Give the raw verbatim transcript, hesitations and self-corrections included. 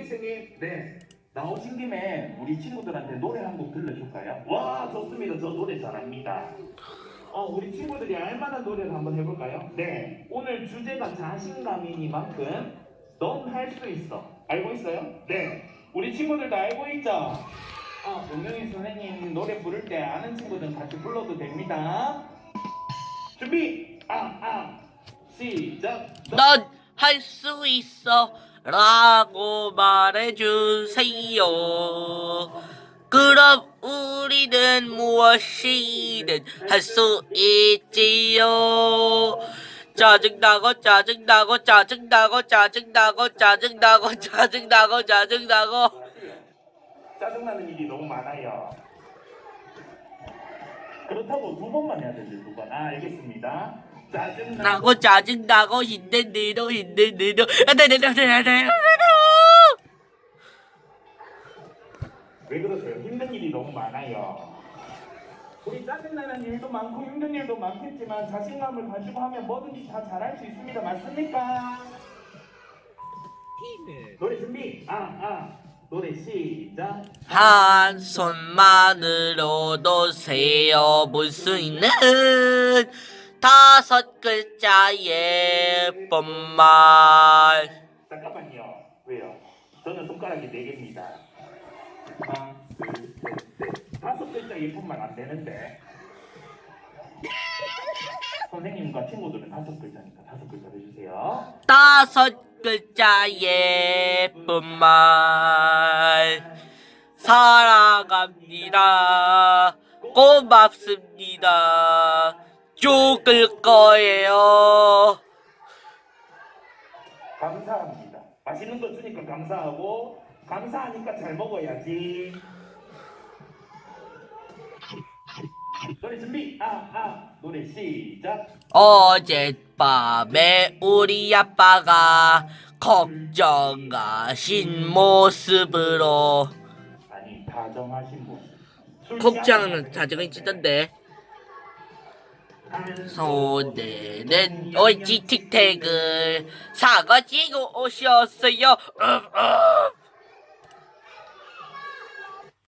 선생님, 네. 나오신 김에 우리 친구들한테 노래 한 곡 들려줄까요? 와, 좋습니다. 저 노래 잘합니다. 어, 우리 친구들이 알만한 노래를 한번 해볼까요? 네. 오늘 주제가 자신감이니만큼 넌 할 수 있어. 알고 있어요? 네. 우리 친구들도 알고 있죠? 어, 용영이 선생님 노래 부를 때 아는 친구들은 같이 불러도 됩니다. 준비! 아, 아. 시작! 넌 할 수 있어 라고 말해주세요. 그럼 우리는 무엇이든 할 수 있지요. 짜증나고 짜증나고 짜증나고 짜증나고 짜증나고 짜증나고 짜증나고 짜증나는 일이 너무 많아요. 그렇다고 두 번만 해야 되지, 두 번. 아, 알겠습니다. 짜증나고 나고 짜증나고 힘든 대로 힘든 대로 왜 그러세요? 힘든 일이 너무 많아요. 우리 짜증나는 일도 많고 힘든 일도 많겠지만 자신감을 가지고 하면 뭐든지 다 잘할 수 있습니다. 맞습니까? 노래 준비. 아, 아. 노래 시작. 한 손만으로도 세어볼 수 있는 다섯 글자의 예쁜 말. 잠깐만요. 왜요? 저는 손가락이 네 개입니다. 하나, 둘, 셋, 넷. 다섯 글자 예쁜 말 안 되는데. 선생님과 친구들은 다섯 글자니까 다섯 글자 해주세요. 다섯 글자 예쁜 말. 사랑합니다. 고맙습니다. 죽을 거예요. 감사합니다. 맛있는 거 주니까 감사하고 감사하니까 잘 먹어야지. 노래 준비. 아, 아. 노래 시작. 어젯밤에 우리 아빠가 걱정하신 모습으로 아니, 다정하신 모습. 술 걱정은 취하지 자정이 마세요. 찢던데 한 손에는 옳지 틱택을 사가지고 오셨어요. 음, 음.